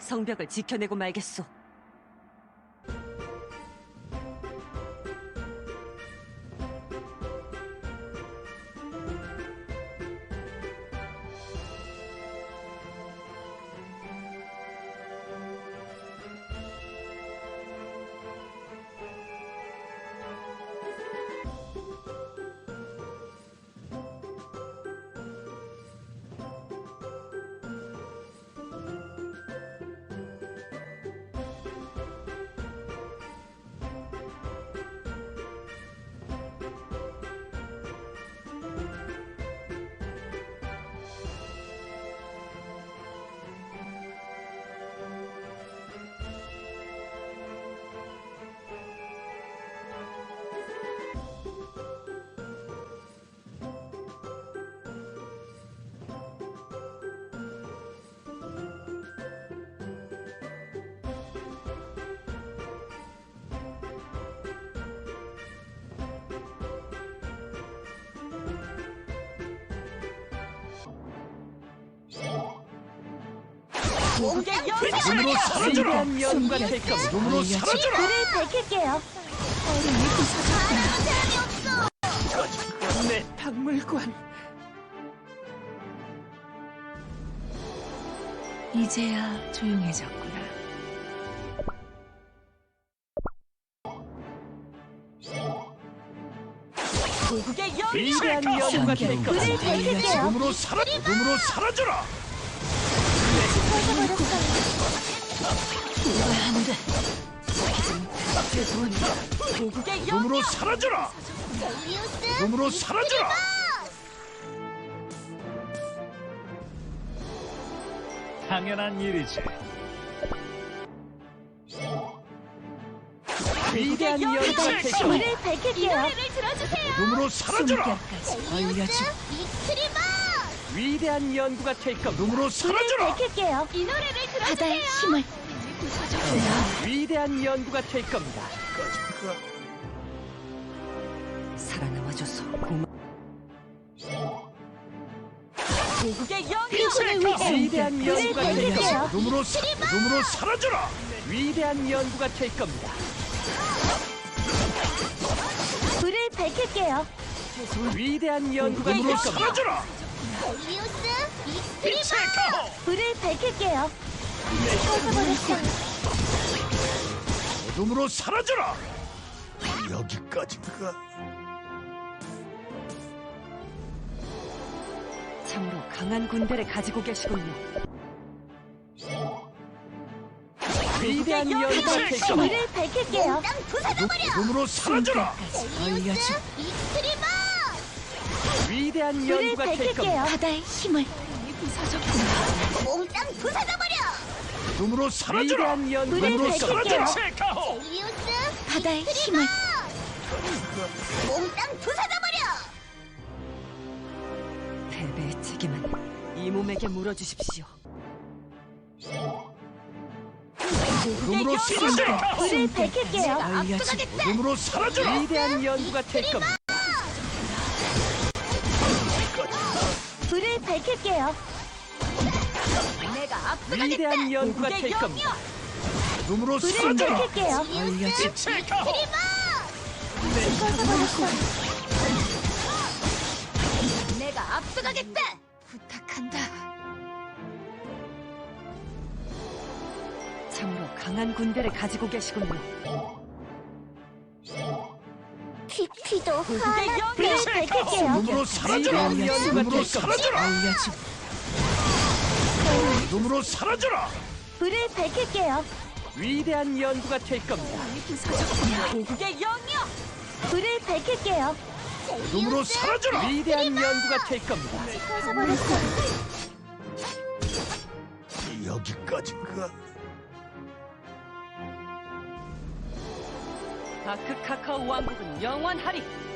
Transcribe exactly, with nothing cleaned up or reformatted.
성벽을 지켜내고 말겠소. 눈으로 사라져라! 연관 될 겁니다. 눈으로 사라져라! 불을 밝힐게요. 내 박물관. 이제야 조용해졌구나. 위대한 연구가 될 불을 겁니다. 밝힐게요. 눈으로 사라! 눈으로 사라져라! 이거야 안 돼. 죄송합니다. 고국의 영. 눈으로 사라져라! 눈으로 사라져라! 당연한 일이지. 위대한 연구가 될 겁니다. 불을 밝힐게요. 눈으로 사라져라! 숨결까지 알려줘. 위대한 연구가 될 겁니다. 눈으로 불을 사라져라! 밝힐게요. 이 노래를 들어주세요. 바다의 힘을. 위대한 연구가 될 겁니다. 살아남아줘서 고마. 고국의 영. 그분을 위해 위대한 불을 연구가 될 겁니다. 밝힐게요. 눈으로 사, 눈으로 사라져라! 위대한 연구가 될 겁니다. 불을 밝힐게요. 위대한 연구가 될 눈으로 겁니다. 사라져라! 빛의 가호! 불을 밝힐게요. 꺼져버렸어. 눈으로 사라져라! 여기까지인가? 참으로 강한 군대를 가지고 계시군요. 위대한 연구가 될 겁니다. 불을 밝힐게요. 눈으로 사라져라! 알려줘. 위대한 불을 연구가 될 겁니다. 밝힐게요. 바다의 힘을. 몽땅 부숴져버려! 눈으로 사라져라! 위대한 연구가 불을 눈으로 밝힐게요. 사라져라! 빛의 가호! 헬리우스 바다의 힘을. 몽땅 부숴져버려! 패배의 책임은 이 몸에게 물어주십시오. 눈으로 사라져라! 불을 밝힐게요. 알려줘. 눈으로 사라져라! 위대한 연구가 될 겁니다. 불을 밝힐게요. 내가 압수가겠다! 위대한 연구가 될 겁니다. 눈으로 불을 사라져라! 밝힐게요. 알려줘. 빛의 가호! 꺼져버렸어. 내가 압수가겠다! 부탁한다. 참으로 강한 군대를 가지고 계시군요. 피피도 하나. 영. 불을 밝힐게요. 눈으로 사라져라! 위대한 연구가 눈으로 될 겁니다. 사라져라! 알려줘. 눈으로 사라져라! 불을 밝힐게요. 위대한 연구가 될 겁니다. 고국의 영이여. 불을 밝힐게요. 눈으로 사라져라! 위대한 연구가 될 겁니다. 꺼져버렸어. 여기까지인가? 다크 카카오 왕국은 영원하리.